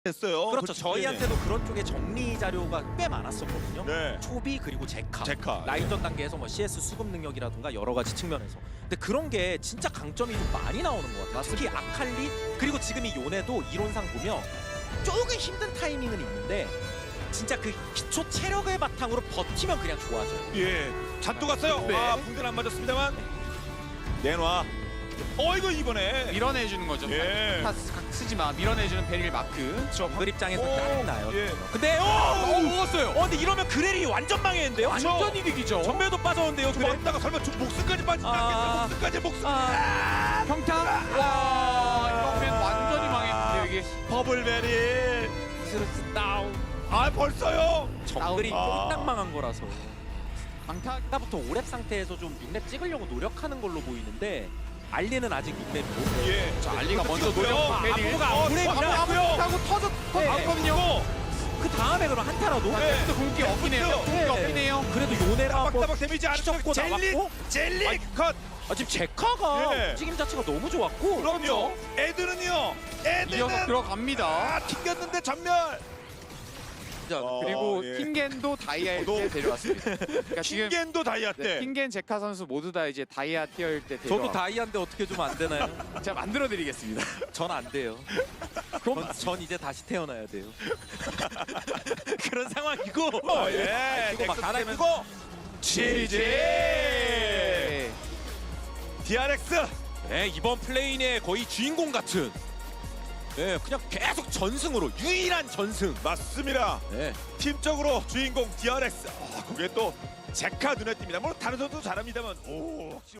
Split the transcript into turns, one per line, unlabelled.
했어요.
그렇죠. 저희한테도 그런 쪽에 정리 자료가 꽤 많았었거든요.
네.
초비 그리고 제카,
제카,
라인전 단계에서 뭐 CS 수급 능력이라든가 여러 가지 측면에서. 근데 그런 게 진짜 강점이 좀 많이 나오는 것 같아요. 특히 아칼리 그리고 지금 이 요네도 이론상 보면 조금 힘든 타이밍은 있는데 진짜 그 기초 체력을 바탕으로 버티면 그냥 좋아져요.
예. 잔뜩 갔어요.
네.
아, 붕대는 안 맞았습니다만. 내놔. 이거 이번에.
밀어내주는 거죠.
예.
다 쓰지 마. 밀어내주는 베릴 마크.
그 입장에서
오,
짜증나요.
예.
근데
먹었어요.
근데 이러면 그레리 완전 망했는데요.
완전 이득이죠.
전멸도 빠졌는데요. 그래.
왔다가 설마 목숨까지 빠지지 않겠어요? 목숨까지 목숨.
평타. 와, 이러면 완전히 망했는데 이게.
버블베리.
스르스 다운.
벌써요.
정글이
아.
딱 망한 거라서.
강타.
아까부터 5랩 상태에서 좀 6랩 찍으려고 노력하는 걸로 보이는데 알리는 아직 6랩이고.
예.
자, 알리가 먼저 노려. 베릴.
아무가 안 보내고
타고 터졌거든요.
그 다음에 그럼 한타라도
네.
또 공기 없기네요. 공기 없기네요.
그래도 요네랑 한번
따박따박 데미지 안
휘젓고
젤리
나왔고.
젤리 컷.
지금 제카가
예.
움직임 자체가 너무 좋았고.
그럼요. 애들은요. 애들은
이어서 들어갑니다.
튕겼는데 전멸.
그리고
예.
킹겐도 다이아 때 데려왔습니다. 그러니까 지금
킹겐도 다이아 때.
킹겐 제카 선수 모두 다 이제 다이아 티어일 때
저도
데려와.
다이아인데 어떻게 좀 안 되나요?
제가 만들어 드리겠습니다.
전 안 돼요. 전 이제 다시 태어나야 돼요. 그런 상황이고.
예.
이거 막 갈아입고.
GG. DRX.
네, 이번 플레인의 거의 주인공 같은. 네, 그냥 계속 전승으로 유일한 전승.
맞습니다.
네.
팀적으로 주인공 DRX. 그게 또 제카 눈에 띕니다. 물론 다른 선수도 잘합니다만. 오.